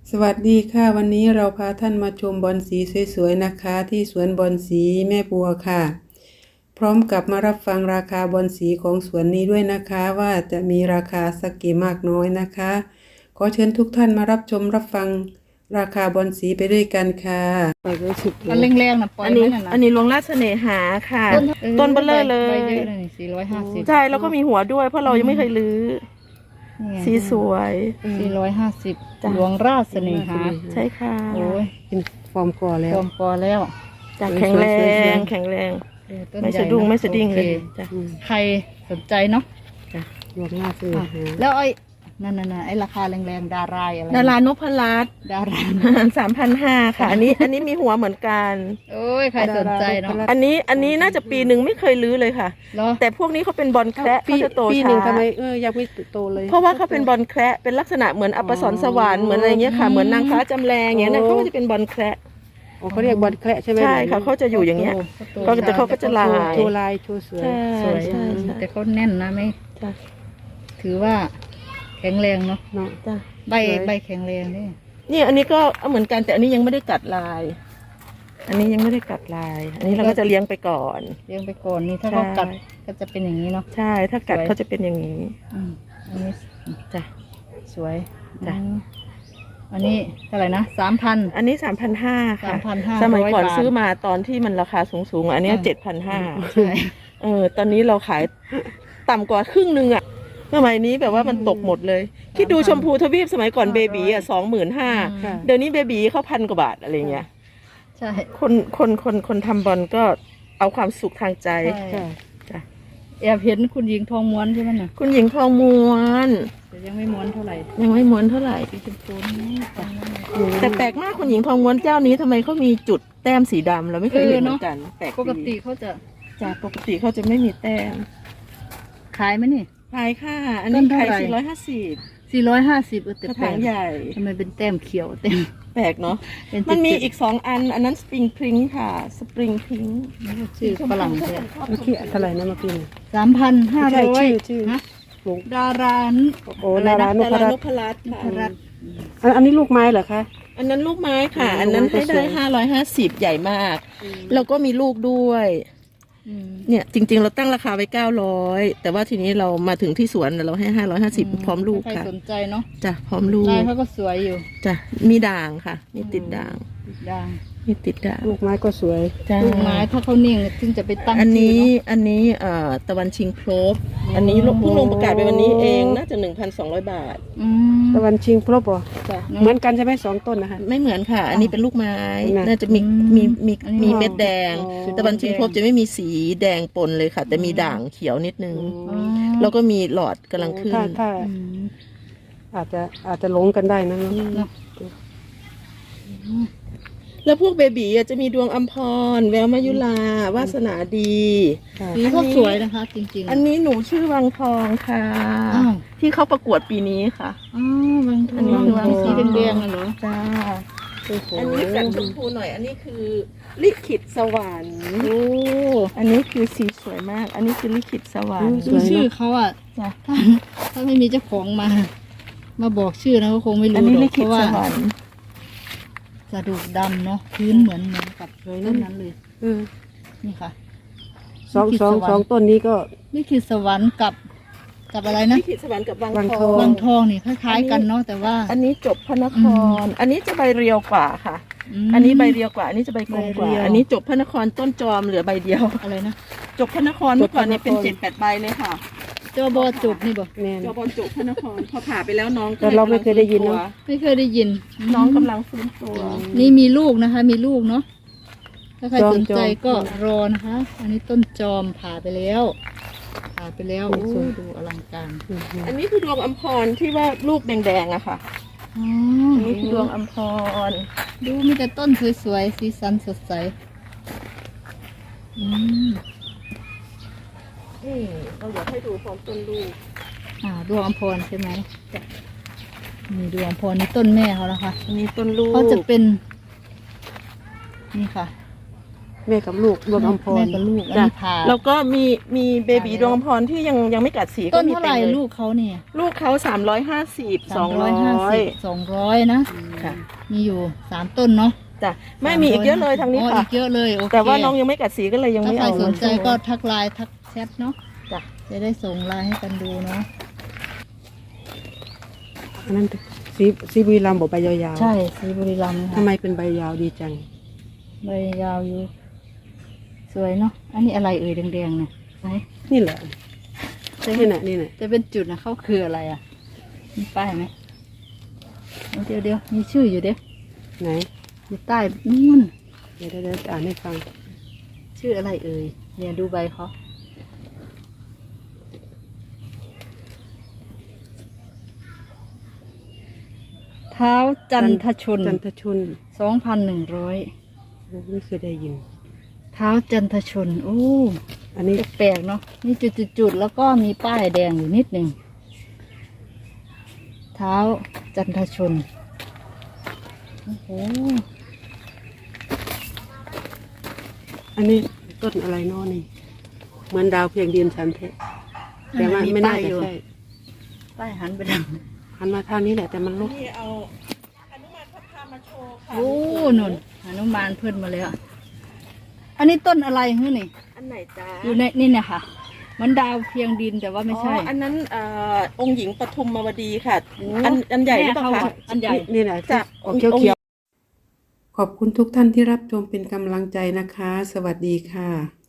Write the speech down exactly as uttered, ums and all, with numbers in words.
สวัสดีค่ะวันนี้เราพาท่านมาชมบอนสีสวยๆนะคะที่สวนบอนสีแม่บัวค่ะพร้อมกับมารับฟังราคาบอนสีของสวนนี้ด้วยนะคะว่าจะมีราคาสักกี่มากน้อยนะคะขอเชิญทุกท่านมารับชมรับฟังราคาบอนสีไปด้วยกันค่ะไปด้วยสุดเลอันยแรงๆนะปล่อยอันนี้ไว้น่ะนะอันนี้หลวงราชเสน่หาค่ะ ต้นเบลเลอร์เลใบยเยอะเลยนี่สี่ร้อยห้าสิบใช่แล้วก็มีหัวด้วยเพราะเรายังไม่เคยรื้อสีสวยสี่ร้อยห้าสิบจ้ะหลวงราชเสน่หาใช่ค่ะโอ้ยเป็นฟอร์มกอแล้รววมพอแล้วจากแข็งแรง แข็งแรงเออต้นไม่ใหญ่สะดุ้งนไม่สะดิ้งเลยโอคจ้ะอืมใครสนใจเนาะรวมหน้าซื้ออ่ะหาแล้วไอ้นั่นน่ะไอ้ราคาแรงๆดารายอะไรดารานพรัตน์ดาราสามพันห้าค่ะ อันนี้อันนี้มีหัวเหมือนกันโอ้ยใครสนใจเนาะอันนี้อันนี้น่าจะปีหนึ่งไม่เคยรื้อเลยค่ะเหรอแต่พวกนี้เขาเป็นบอลแคระปีเขาจะโตปีหช้านึ่งทำไมเออยังไม่โตเลยเพราะว่าเขาเป็นบอลแคระเป็นลักษณะเหมือนอัปสรสวรรค์เหมือนอะไรเงี้ยค่ะ เหมือนนางฟ้าจำแรงอย่างเงี้ยนะโอ้เขาก็จะเป็นบอลแคระอ๋อเขาเรียกบอลแคระใช่ไหมใช่ค่ะเขาจะอยู่อย่างเงี้ย ก็จะเขาก็จะลายโชว์ลายโชว์สวยใช่สวยใช่ใช่แต่เขาแน่นนะไม่จ้ะถือว่าแข็งแรงเนาะเนาะจ้ะใบสวยใบแข็งแรงนี่นี่อันนี้ก็เหมือนกันแต่อันนี้ยังไม่ได้กัดลาย อันนี้ยังไม่ได้กัดลาย อันนี้เราก็จะเลี้ยงไปก่อนเลี้ยงไปก่อนนี่ถ้าใช่เขากัดก็จะเป็นอย่างนี้เนาะใช่ถ้ากัดสวยเขาจะเป็นอย่างนี้อืมอันนี้จ้ะสวยจ้ะอืมอันนี้เท่าไหร่นะสามพันอันนี้สามพันห้าค่ะสามพันห้าสมัยก่อนร้อยบาทซื้อมาตอนที่มันราคาสูงสูงๆอันเนี้อืมเจ็ดพันห้าใช่เออตอนนี้เราขายต่ำกว่าครึ่งหนึ่งอะสมัยนี้แบบว่ามันตกหมดเลย คิดดูชมพูทวีปสมัยก่อนเบบีอ่ะสองหมื่นห้าค่ะเดี๋ยวนี้เบบีเขาพันกว่าบาทอะไรเงี้ยใช่คนคนคนคนทำบอลก็เอาความสุขทางใจใช่ใช่จ้ะแอบเห็นคุณหญิงทองม้วนใช่ไหมน่ะคุณหญิงทองม้วนแต่ยังไม่ม้วนเท่าไหร่ยังไม่ม้วนเท่าไหร่สีชมพูนี่จ้ะแต่แปลกมากคุณหญิงทองม้วนเจ้านี้ทำไมเขามีจุดแต้มสีดำเราไม่เคยเห็นเหมือนกันแปลกปกดีติเขาจะจากปกติเขาจะไม่มีแต้มขายไหมนี่ขายค่ะ อันนี้ต้นเท่าขายไหร่สี่ร้อยห้าสิบสี่ร้อยห้าสิบเออแต่กระแปลถางกใหญ่ทำไมเป็นแต้มเขียวเต็มแปลกเนาะเป็นมันมีจุดๆอีกสองอัน อันนั้นสปริงพิงค่ะสปริงพิงชื่อฝรั่งเลยเมื่อกี้เท่าไหร่นะเมื่อกี้เนี่ยสามพันห้าใช่ร้อยชื่อชื่อฮะลูกดารานโอ้ดารานพดารารันตน์พรัตน์ค่ะพรัตน์อันอันนี้ลูกไม้เหรอคะอันนั้นลูกไม้ค่ะอืมอันนั้นให้ลูกไม้ก็สได้วยห้าร้อยห้าสิบใหญ่มาก แล้วก็มีลูกด้วยอืมเนี่ยจริง ๆ เราตั้งราคาไว้เก้าร้อยแต่ว่าทีนี้เรามาถึงที่สวนเราให้ห้าร้อยห้าสิบพร้อมลูกใครค่ะสนใจเนาะจ้ะพร้อมลูกลายเขาก็สวยอยู่จ้ะมีด่างค่ะ มีติดด่างด่างมีติดด่างลูกไม้ก็สวยจ้ะลูกไม้ถ้าเขานิ่งถึงจะไปตั้งอันนี้ชื่เาะอันนี้เอ่อตะวันชิงโครบอันนี้เพิ่งลงประกาศไปวันนี้เองน่าจะหนึ่งพันสองร้อยบาทอืมตะวันชิงพรบเหรอจ้ะเหมือนกันใช่ไหมสองต้นนะคะไม่เหมือนค่ะ อันนี้เป็นลูกไม้น่ะน่าจะมีอืมมีมีอันนี้มีเม็ดแดงอ๋อตะวันชิงโครบจะไม่มีสีแดงปนเลยค่ะ แต่มีด่างเขียวนิดนึงอ๋อแล้วก็มีหลอดกำลังขึ้นถ้าถ้าอืมอาจจะอาจจะหลงกันได้นะเนอะเนาะแล้วพวกเบบีอ่ะจะมีดวงอัมพร แววมายุลาวาสนาดีค่ะสีเขาสวยนะคะ จริงๆอันนี้หนูชื่อวังทองค่ะอ้าวที่เขาประกวดปีนี้ค่ะอ๋อบางทอันนี้องคือวางสีแดงๆอะเหรอจ้าโอ้โหอันนี้กัดชมพูหน่อย อันนี้คือลิขิตสวรรค์โอ้อันนี้คือสีสวยมาก อันนี้คือลิขิตสวรรค์ดูชื่อเขาอ่ะจ้ะถ้าถ้าไม่มีเจ้าของมา มาบอกชื่อนะก็คงไม่อันรู้นี้หรลิอกเพขิตราะว่าสวรรค์กระดูกดำเนาะพื้นเหมือนเหมือนกับต้นนั้นเลยเออนี่ค่ะสองลิขิตสองสวรรค์สองต้นนี้ก็นี่คือสวรรค์กับกับอะไรนะลิขิตสวรรค์กับวังวังททอองงวังทองนี่คล้ายๆกันเนาะแต่ว่าอันนี้จบพระนคอืร อันนี้จะใบเรียวกว่าค่ะมอันนี้ใบเรียวกว่า อันนี้จะใบกลมกว่าใบเรียวอันนี้จบพระนครต้นจอมเหลือใบเดียวอะไรนะจบพระนครเมื่อก่อนเนี่ยเป็นเจ็ดแปดใบเลยค่ะเจ้าบอจุบนี่บอกแน่นจอบอลจบพระนครพอผ่าไปแล้วน้องก็แต่เราไม่เคยได้ยินเนอะไม่เคยได้ยินน้องกำลังฟื้นตัวนี่มีลูกนะคะ มีลูกเนาะถ้าใครจอมสนใจจอมก็รอนะคะ อันนี้ต้นจอมผ่าไปแล้วผ่าไปแล้วอืโอ้มดูอลังการอืมอันนี้คือดวงอัมพรที่ว่าลูกแดงๆอะค่ะอ๋ออันนี้คือดวงอัมพรดูมีแต่ต้นสวยๆสีสันสดใสอืมนี่เราอยากให้ดูพร้อมต้นลูกอ่าดวงอภรณ์ใช่ไหมนี่ดวงอภรณ์นี่ต้นแม่เขานะคะอันนี้ต้นลูกเขาจะเป็น นี่ค่ะแม่กับลูกดวงอมพรแม่กับลูกอันจ้ะนี้ผ่าแล้วก็มีมีเบบีดวงอมพรที่ยังยังไม่กัดสีต้ก็นมีเท่าไหร่ต็มยลูกเขาเนี่ยลูกเขาสามร้อยห้าสิบสองร้อยห้าสิบสองร้อยนะค่ะมีอยู่สามต้นเนาะจ้ะไม่มีอีกเยอะเลยทางนี้อ๋อค่ะอีกเยอะเลยโอเคแต่ว่าน้องยังไม่กัดสีก็เลยยังถ้าไม่ใครเอาสนใจมาโชว์ก็ทักไลน์ทักแชทเนาะจ้ะจะได้ส่งไลน์ให้กันดูเนาะอันนั้นสีสีบุรีรัมย์บอกใบยาวๆใช่สีบุรีรัมย์นะทำคะไมเป็นใบยาวดีจังใบยาวอยู่ สวยเนาะอันนี้อะไรเอ่ยแดงๆเนี่ยไหนนี่แหละจะนี่แหละนี่แหละจะเป็นจุดนะเขาคืออะไรอ่ะมีป้ายไหมเดี๋ยวเดี๋ยวมีชื่ออยู่เด้ไหนอยู่ใต้นู่นเดี๋ยวเดี๋ยวเดี๋ยวจะอ่านให้ฟังชื่ออะไรเอ่ยเนี่ยดูใบเขาเท้าจันทชนจันทชนสองพันหนึ่งร้อยไม่เคยได้ยินเท้าจันทชน โอ้อันนี้แปลกๆเนาะนี่จุดๆๆแล้วก็มีป้ายแดงอยู่นิดหนึ่งเท้าจันทชนโอ้โหอันนี้ต้นอะไรเนอนี่เหมือนดาวเพียงดินฉันเทะแต่ว่าไม่น่าจะใช่ป้ายหันไปทางหันมาทางนี้แหละแต่มันลุกนี่เอาอนุมานพัฒนามาโชว์ค่ะโอ้นนหนุมานเพิ่นมาแล้ว อันนี้ต้นอะไรเฮ้ยนี่อันไหนจ้าอยู่ในนี่เนี่ยค่ะเหมันดาวเพียงดินแต่ว่าไม่ใช่อ๋ออันนั้นเอ่อองค์หญิงปทุมมาวดีค่ะโอ้อันอันใหญ่หรือเปล่าแม่คะอันใหญ่นี่แหละจ้ะออกเขียวเขียวๆขอบคุณทุกท่านที่รับชมเป็นกำลังใจนะคะ สวัสดีค่ะ